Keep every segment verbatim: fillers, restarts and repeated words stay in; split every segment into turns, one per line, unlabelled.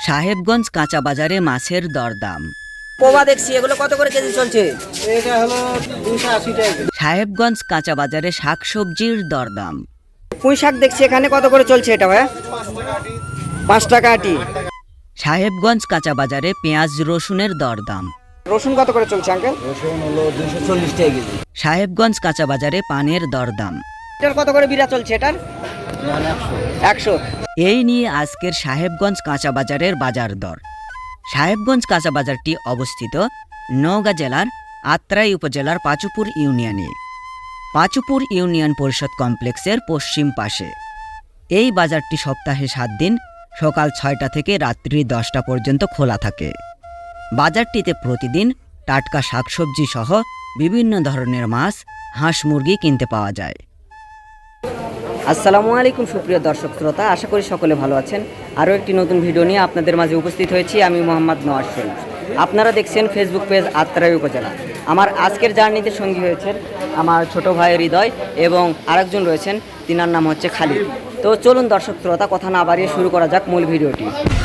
সাহেবগঞ্জ কাঁচা বাজারে মাছের দরদাম।
পোবা দেখছি, এগুলো কত করে কেজি চলছে?
এটা হলো দুইশো আশি টাকা।
সাহেবগঞ্জ কাঁচা বাজারে শাকসবজির দরদাম।
পুঁই শাক দেখছি, এখানে কত করে চলছে এটা ভাইয়া? পাঁচ টাকা আটি।
সাহেবগঞ্জ কাঁচা বাজারে পেঁয়াজ রসুনের দরদাম।
রসুন কত করে চলছে আঙ্কেল?
রসুন হলো দুইশো চল্লিশ টাকা কেজি।
সাহেবগঞ্জ কাঁচা বাজারে পানের দরদাম।
এটার কত করে বিড়া চলছে এটার? একশো।
এই নিয়ে আজকের সাহেবগঞ্জ কাঁচা বাজারের বাজার দর। সাহেবগঞ্জ কাঁচা বাজারটি অবস্থিত নওগাঁ জেলার আত্রাই উপজেলার পাঁচুপুর ইউনিয়নে। পাঁচুপুর ইউনিয়ন পরিষদ কমপ্লেক্সের পশ্চিম পাশে। এই বাজারটি সপ্তাহে সাত দিন সকাল ছয়টা থেকে রাত্রি দশটা পর্যন্ত খোলা থাকে। বাজারটিতে প্রতিদিন টাটকা শাকসবজি সহ বিভিন্ন ধরনের মাছ, হাঁস মুরগি কিনতে পাওয়া যায়।
আসসালামু আলাইকুম সুপ্রিয় দর্শক শ্রোতা, আশা করি সকলে ভালো আছেন। আরও একটি নতুন ভিডিও নিয়ে আপনাদের মাঝে উপস্থিত হয়েছি আমি মোহাম্মদ নওয়াজ শরীফ। আপনারা দেখছেন ফেসবুক পেজ আত্রাই উপজেলা। আমার আজকের জার্নিতে সঙ্গী হয়েছেন আমার ছোট ভাই হৃদয় এবং আরেকজন রয়েছেন, তিনার নাম হচ্ছে খালিদ। তো চলুন দর্শক শ্রোতা, কথা না বাড়িয়ে শুরু করা যাক মূল ভিডিওটি।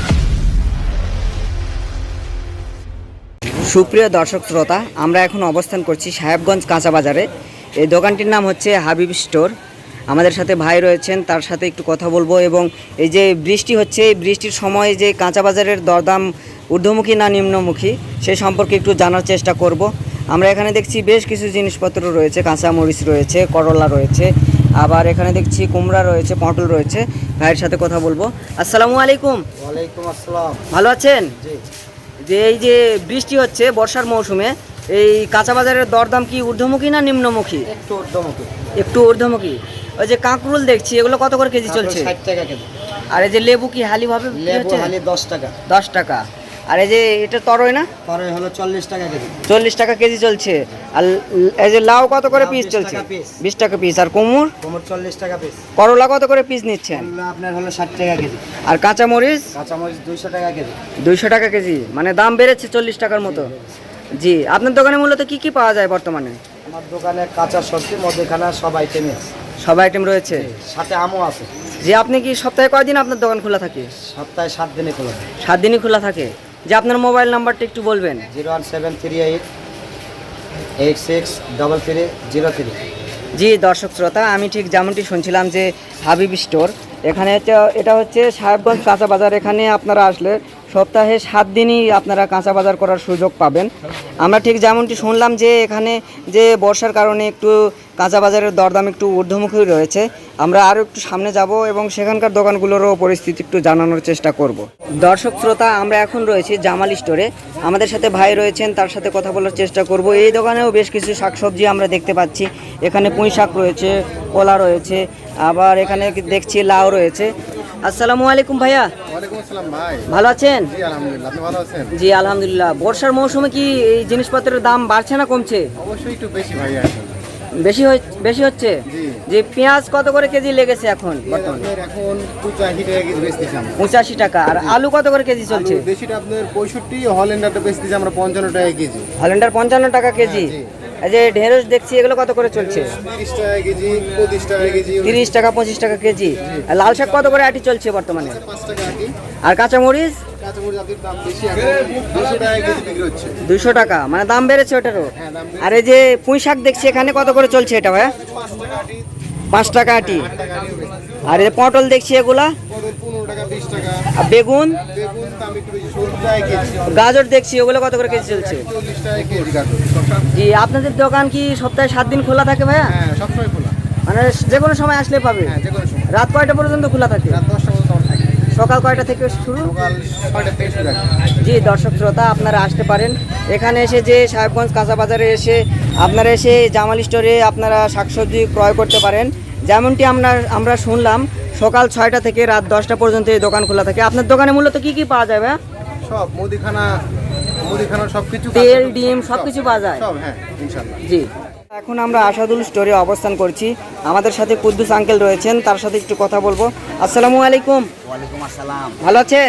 সুপ্রিয় দর্শক শ্রোতা, আমরা এখন অবস্থান করছি সাহেবগঞ্জ কাঁচা বাজারে। এই দোকানটির নাম হচ্ছে হাবিব স্টোর। আমাদের সাথে ভাই রয়েছেন, তার সাথে একটু কথা বলবো এবং এই যে বৃষ্টি হচ্ছে, এই বৃষ্টির সময় যে কাঁচা বাজারের দরদাম ঊর্ধ্বমুখী না নিম্নমুখী সেই সম্পর্কে একটু জানার চেষ্টা করব। আমরা এখানে দেখছি বেশ কিছু জিনিসপত্র রয়েছে, কাঁচা মরিচ রয়েছে, করলা রয়েছে, আবার এখানে দেখছি কুমড়া রয়েছে, পটল রয়েছে। ভাইয়ের সাথে কথা বলবো। আসসালামু আলাইকুম।
ওয়ালাইকুম আসসালাম।
ভালো আছেন?
জি।
যে এই যে বৃষ্টি হচ্ছে বর্ষার মৌসুমে, এই কাঁচা বাজারের দরদাম কি ঊর্ধ্বমুখী না নিম্নমুখী?
একটু ঊর্ধ্বমুখী।
একটু ঊর্ধ্বমুখী। ওই যে কাঁকরুল দেখছি, এগুলো কত করে কেজি চলছে?
ষাট টাকা কেজি।
আর এই যে লেবু কি হালি ভাবে
লেবু হালি দশ টাকা।
দশ টাকা। আর এই যে এটা তরই না,
পরে হলো চল্লিশ টাকা কেজি।
চল্লিশ টাকা কেজি চলছে। আর এই যে লাউ কত করে
লাউ
পিস
বিশ
চলছে?
টাকা পিস।
বিশ টাকা পিস। আর কুমড়?
কোমর চল্লিশ টাকা পিস।
করলা কত করে পিস নিচ্ছেন?
করলা আপনার হলো ষাট টাকা কেজি।
আর কাঁচা মরিচ?
কাঁচামরিচ দুইশো টাকা কেজি।
দুইশো টাকা কেজি, মানে দাম বেড়েছে চল্লিশ টাকার মতো। জি, আপনার দোকানে মূলত কি কি পাওয়া যায় বর্তমানে?
আমার দোকানে কাঁচা সবজি মধ্যখানা সব আইটেম আছে।
সব আইটেম রয়েছে,
সাথে আমও আছে।
যে আপনি কি সপ্তাহে কয়দিন আপনার দোকান খোলা থাকে?
সপ্তাহে সাত দিনে খোলা থাকে।
সাত দিনই খোলা থাকে। যে আপনার মোবাইল নাম্বারটা একটু বলবেন।
Zero one seven three eight eight six double three zero three.
জি দর্শক শ্রোতা, আমি ঠিক যেমনটি শুনছিলাম যে হাবিব স্টোর, এখানে হচ্ছে এটা হচ্ছে সাহেবগঞ্জ কাঁচা বাজার। এখানে আপনারা আসলে সপ্তাহে সাত দিনই আপনারা কাঁচা বাজার করার সুযোগ পাবেন। আমরা ঠিক যেমনটি শুনলাম যে এখানে যে বর্ষার কারণে একটু কাঁচা বাজারের দরদাম একটু ঊর্ধ্বমুখী রয়েছে। আমরা আরও একটু সামনে যাব এবং সেখানকার দোকানগুলোরও পরিস্থিতি একটু জানানোর চেষ্টা করব। দর্শক শ্রোতা, আমরা এখন রয়েছি জামাল স্টোরে। আমাদের সাথে ভাই রয়েছেন, তার সাথে কথা বলার চেষ্টা করব। এই দোকানেও বেশ কিছু শাকসবজি আমরা দেখতে পাচ্ছি। এখানে পুঁই শাক রয়েছে, কলা রয়েছে, আবার এখানে দেখছি লাউ রয়েছে। আসসালামু আলাইকুম ভাইয়া।
ওয়ালাইকুম আসসালাম ভাই।
ভালো আছেন?
জি আলহামদুলিল্লাহ। আপনি ভালো আছেন?
জি আলহামদুলিল্লাহ। বর্ষার মৌসুমে কি এই জিনিসপত্রের দাম বাড়ছে না কমছে?
অবশ্যই একটু বেশি ভাই এখন।
বেশি বেশি হচ্ছে। যে পেঁয়াজ কত করে কেজি লেগেছে এখন বর্তমানে?
এখন পঁচাশি টাকা কেজি বেচতেছি আমরা।
পঁচাশি টাকা। আর আলু কত করে কেজি চলছে?
দেশিটা আপনার পঁয়ষট্টি, হল্যান্ডারটা বেচতেছি আমরা পঞ্চান্ন টাকা কেজি।
হল্যান্ডার পঞ্চান্ন টাকা কেজি। এই যে ঢেঁড়স দেখছি, এগুলো কত করে চলছে?
তিরিশ টাকা কেজি, পঁচিশ টাকা কেজি।
তিরিশ টাকা পঁচিশ টাকা কেজি। আর লাল শাক কত করে আটি চলছে বর্তমানে?
পাঁচ টাকা আটি।
আর কাঁচামরিচ?
কাঁচামরিচ আপনার দাম বেশি, এখন দুশো টাকা কেজি বিক্রি হচ্ছে।
দুশো টাকা, মানে দাম বেড়েছে ওটারও।
হ্যাঁ, দাম বেড়েছে।
আর এই যে পুঁই শাক দেখছি, এখানে কত করে চলছে এটা ভাইয়া?
পাঁচ টাকা আটি।
পাঁচ টাকা আটি।
আট টাকা আটিও বেচতেছি।
আর এই পটল দেখছি এগুলা?
পটল পনেরো টাকা, বিশ টাকা।
আর বেগুন?
বেগুন দাম একটু বেশি, সত্তর টাকা কেজি।
গাজর দেখছি, ওগুলো কত করে কেজি চলছে?
চল্লিশ টাকা কেজি গাজর।
জি, আপনাদের দোকান কি সপ্তাহে সাত দিন খোলা থাকে ভাইয়া?
হ্যাঁ, সবসময় খোলা।
মানে যে কোনো সময় আসলে পাবে?
হ্যাঁ, যে কোনো সময়।
রাত কয়টা পর্যন্ত খোলা থাকে?
রাত দশটা পর্যন্ত আমরা থাকি।
সকাল কয়টা থেকে শুরু?
সকাল ছয়টা থেকে শুরু থাকে।
জি দর্শক শ্রোতা, আপনারা আসতে পারেন এখানে এসে, যে সাহেবগঞ্জ কাঁচা বাজারে এসে আপনারা এসে জামাল স্টোরে আপনারা শাকসবজি ক্রয় করতে পারেন। যেমনটি আমরা আমরা শুনলাম সকাল ছয়টা থেকে রাত দশটা পর্যন্ত এই দোকান খোলা থাকে। আপনার দোকানে মূলত কি কি পাওয়া যাবে?
সব মুদিখানা, মুদিখানার সব কিছু,
তেল, ডিম সব কিছু পাওয়া যায়?
সব, হ্যাঁ ইনশাআল্লাহ।
জি, এখন আমরা আসাদুল স্টোরে অবস্থান করছি। আমাদের সাথে কুদ্দুস আঙ্কেল রয়েছেন, তার সাথে একটু কথা বলবো। আসসালামু আলাইকুম।
ওয়ালাইকুম আসসালাম।
ভালো আছেন?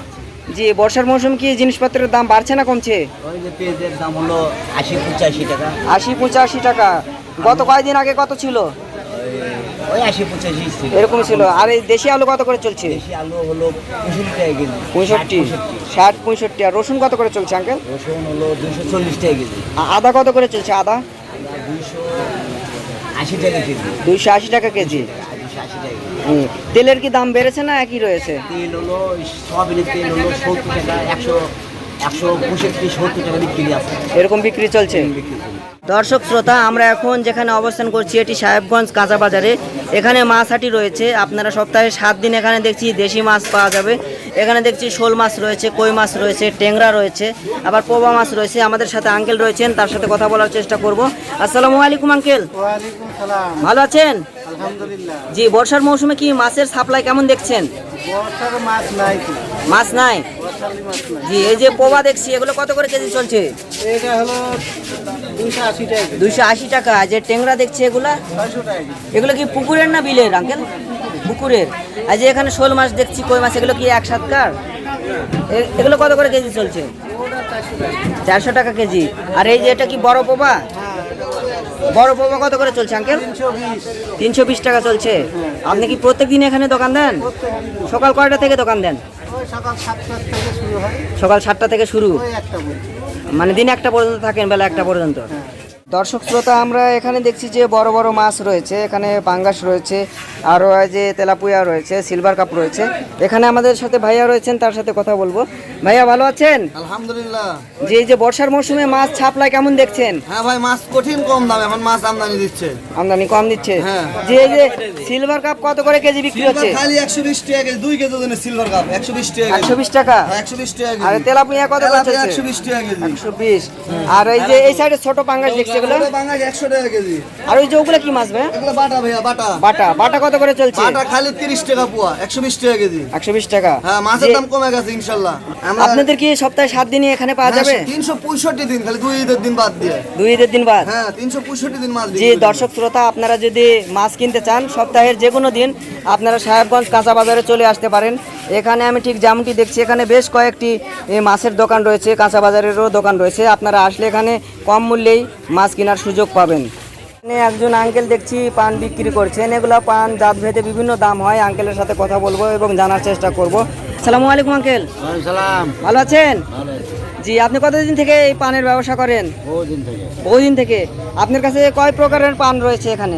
জি, বর্ষার মৌসুম কি জিনিসপত্রের দাম বাড়ছে না কমছে?
ওই যে পেঁয়াজের দাম হলো আশি পঁচাশি টাকা।
আশি পঁচাশি টাকা। গত কয়েকদিন আগে কত ছিল?
ওই আশি পঁচাশি ছিল।
এরকম ছিল। আর এই দেশি আলু কত করে চলছে?
দেশি আলু হলো পঁয়ষট্টি টাকা কেজি।
পঁয়ষট্টি, ষাট, পঁয়ষট্টি। আর রসুন কত করে চলছে আঙ্কেল?
রসুন হলো দুইশো চল্লিশ টাকা কেজি।
আ- আদা কত করে চলছে আদা?
দুইশো আশি টাকা কেজি।
দুইশো আশি টাকা কেজি।
দুইশো আশি টাকা কেজি।
হুম। তেলের কি দাম বেড়েছে না একই রয়েছে?
তেল হলো সয়াবিনের তেল হলো সত্তর টাকা, একশো একশো পঁয়ষট্টি সত্তর টাকা বিক্রি আছে।
এরকম বিক্রি চলছে। দর্শক শ্রোতা, আমরা এখন যেখানে অবস্থান করছি এটি সাহেবগঞ্জ কাঁচা বাজারে। এখানে মাছ হাটি রয়েছে। আপনারা সপ্তাহে সাত দিন এখানে দেখছি দেশি মাছ পাওয়া যাবে। এখানে দেখছি শোল মাছ রয়েছে, কই মাছ রয়েছে, ট্যাংরা রয়েছে, আবার পোবা মাছ রয়েছে। আমাদের সাথে আঙ্কেল রয়েছেন, তার সাথে কথা বলার চেষ্টা করব। আসসালামু আলাইকুম আঙ্কেল,
ওয়ালাইকুম সালাম।
ভালো আছেন?
আলহামদুলিল্লাহ।
জি, বর্ষার মৌসুমে কি মাছের সাপ্লাই কেমন দেখছেন?
বর্ষার মাছ নাই তো,
মাছ নাই?
বর্ষালি মাছ নাই।
জি, এই যে পোবা দেখছি এগুলো কত করে কেজি চলছে?
এটা হলো দুইশো আশি টাকা কেজি,
দুইশো আশি টাকা। যে ট্যাংরা দেখছি এগুলা,
ছয়শো টাকা কেজি।
এগুলো কি পুকুরের না বিলের আঙ্কেল? পুকুরের। আর যে এখানে শোল মাছ দেখছি, কই মাছ, এগুলো কি এক সাতকার? এ- এগুলো কত করে কেজি চলছে?
ওটা চারশো টাকা।
চারশো টাকা কেজি। আর এই যে এটা কি বড় পোবা? বড় পোবা কত করে চলছে আঙ্কেল?
তিনশো বিশ।
তিনশো বিশ টাকা চলছে। আপনি কি প্রত্যেক দিন এখানে দোকান দেন? সকাল কয়টা থেকে দোকান দেন?
ওই সকাল সাতটার থেকে শুরু হয়,
সকাল সাতটা থেকে শুরু,
ওই একটা পর্যন্ত।
মানে দিন একটা পর্যন্ত থাকেন, বেলা একটা পর্যন্ত। দর্শক শ্রোতা, আমরা এখানে দেখছি যে বড় বড় মাছ রয়েছে। এখানে পাঙ্গাস রয়েছে, আরও যে তেলাপুয়া রয়েছে, সিলভার কাপ রয়েছে। এখানে আমাদের সাথে ভাইয়া রয়েছেন, তার সাথে কথা বলবো। ভাইয়া ভালো আছেন?
আলহামদুলিল্লাহ।
যে এই যে বর্ষার মৌসুমে মাছ ছাপলাই কেমন দেখছেন?
হ্যাঁ ভাই, মাছ কঠিন কম দাম, এখন মাছ আমদানি দিচ্ছে।
আমদানি কম দিচ্ছে।
হ্যাঁ।
যে এই যে সিলভার কাপ কত করে কেজি বিক্রি হচ্ছে?
খালি একশো বিশ টাকা কেজি, দুই কেজি ওজনের সিলভার কাপ একশো বিশ টাকা কেজি।
একশো বিশ টাকা।
একশো বিশ টাকা
আর
কেজি।
তেলাপুয়া কত করে চলছে?
একশো বিশ টাকা কেজি।
একশো বিশ। আর এই যে এই সাইডে ছোট পাঙ্গাস দেখছি এগুলো,
ওটা বাঙালি একশো টাকা কেজি।
আর ওই যে ওগুলো কি মাছ ভাই?
এগুলো বাটা ভাইয়া, বাটা।
বাটা, বাটা কত করে চলছে?
বাটা খালি তিরিশ টাকা পোয়া, একশো বিশ টাকা কেজি।
একশো বিশ টাকা।
হ্যাঁ, মাছের
যে-
দাম কমে গেছে ইনশাল্লাহ। আমরা
আপনাদের কি সপ্তাহে সাত দিনই এখানে পাওয়া যাবে?
তিনশো পঁয়ষট্টি দিন, খালি দুই ঈদের দিন বাদ দিয়ে।
দুই ঈদের দিন বাদ।
হ্যাঁ, তিনশো পঁয়ষট্টি দিন মাছ
যে
বিক্রি করি।
দর্শক শ্রোতা, আপনারা যদি মাছ কিনতে চান সপ্তাহের যে কোনো দিন আপনারা সাহেবগঞ্জ কাঁচা বাজারে চলে আসতে পারেন। এখানে আমি ঠিক যেমনটি দেখছি এখানে বেশ কয়েকটি এ, মাছের দোকান রয়েছে, কাঁচা বাজারেরও দোকান রয়েছে। আপনারা আসলে এখানে কম মূল্যেই মাছ কেনার সুযোগ পাবেন। এখানে একজন আঙ্কেল দেখছি পান বিক্রি করছেন। এগুলো পান জাত ভেদে বিভিন্ন দাম হয়। আঙ্কেলের সাথে কথা বলবো এবং জানার চেষ্টা করব। আসসালামু আলাইকুম আঙ্কেল,
সালাম।
ভালো আছেন? জি, আপনি কতদিন থেকে এই পানের ব্যবসা করেন?
বহুদিন থেকে।
বহুদিন থেকে। আপনার কাছে কয় প্রকারের পান রয়েছে এখানে?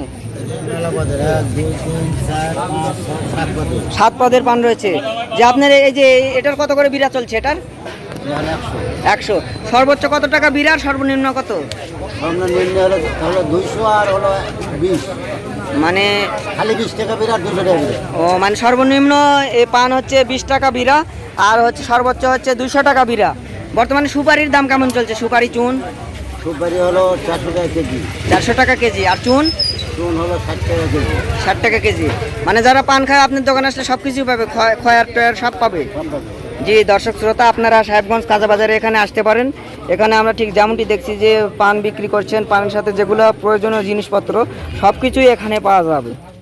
সাত পদের পান রয়েছে। যে আপনার এই যে এটার কত করে বিড়া চলছে? এটার একশো। সর্বোচ্চ কত টাকা বিড়া, আর সর্বনিম্ন কত?
সর্বনিম্ন হলো হলো দুইশো, আর হলো বিশ।
মানে
খালি বিশ টাকা বিরাট, দুশো টাকা বিরাট।
ও মানে সর্বনিম্ন এই পান হচ্ছে বিশ টাকা বিড়া, আর হচ্ছে সর্বোচ্চ হচ্ছে দুইশো টাকা বিড়া। বর্তমানে সুপারির দাম কেমন চলছে? সুপারি চুন
সুপারি হলো চারশো টাকা কেজি,
চারশো টাকা কেজি, আর চুন
চুন হলো ষাট টাকা কেজি।
ষাট টাকা কেজি। মানে যারা পান খায় আপনার দোকানে আসলে সব কিছুই পাবে, খয়- খয়ার টয়ার সব পাবে। জি দর্শক শ্রোতা, আপনারা সাহেবগঞ্জ কাঁচা বাজারে এখানে আসতে পারেন। এখানে আমরা ঠিক যেমনটি দেখছি যে পান বিক্রি করছেন, পানের সাথে যেগুলো প্রয়োজনীয় জিনিসপত্র সব কিছুই এখানে পাওয়া যাবে।